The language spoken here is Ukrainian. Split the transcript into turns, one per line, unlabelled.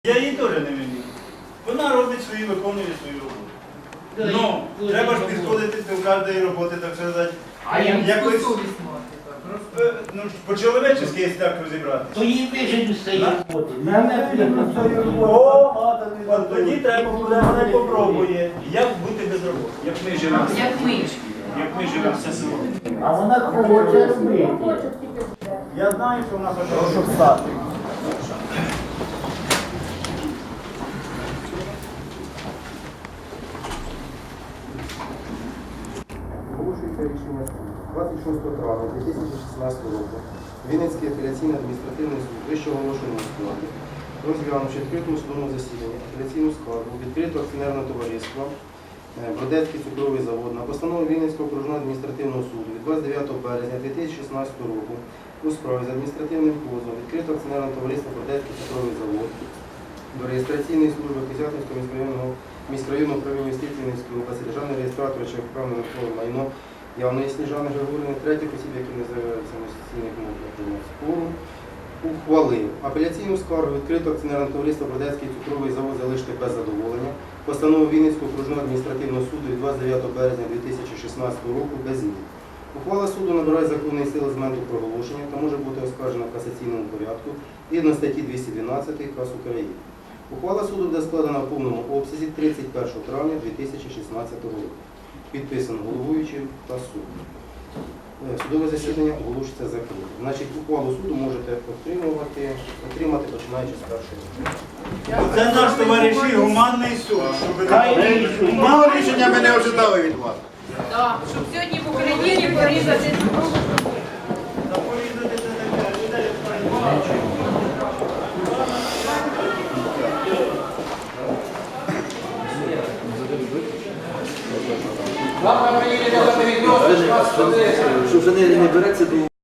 Я її теж не виню. Вона робить свою, виконує свою роботу. Ну, треба ж підходити до кожної роботи, так сказати.
А я
якось,
совість мати, так,
ну, по-чоловічески, якщо так розібратися.
То їй вижить з цієї роботи. Мене прийняв.
От тоді треба буде, вона попробує, як бути без роботи. Як ми живемо.
Як ми.
Як ми живемо все село.
А вона хоче робити.
Я знаю, що вона хоче встати.
Оголошується рішення 26 травня 2016 року. Вінницький апеляційний адміністративний суд вищого оголошеного складу, розглянувши відкритому судовому засіданні апеляційну скаргу відкритого акціонерного товариства Бродецький цукровий завод на постанову Вінницького окружного адміністративного суду від 29 березня 2016 року у справі з адміністративним позовом відкритого акціонерного товариства Бродецький цукровий завод до реєстраційної служби Козятинського міськрайонного управління юстиції Вінницької області, державного реєстратора чи вправне нерухоме майно Явної Сніжани Григорівни, третіх осіб, які не заявляють самостійних мов спору, ухвалив апеляційну скаргу відкритого акціонерного товариства Бродецький цукровий завод залишити без задоволення, постанову Вінницького окружного адміністративного суду від 29 березня 2016 року без змін. Ухвала суду набирає законної сили з моменту проголошення та може бути оскаржена в касаційному порядку згідно статті 212 КАС України. Ухвала суду буде складена в повному обсязі 31 травня 2016 року. Підписано головуючим та суддем. Судове засідання оголошується закритим. Значить, ухвалу суду можете отримати починаючи з першого.
Це наш товариші гуманний суд.
Мало рішення ми не ожидали від вас.
Так, щоб сьогодні в Україні порізати.
Завтра приїдете за переділ, що вже не береться до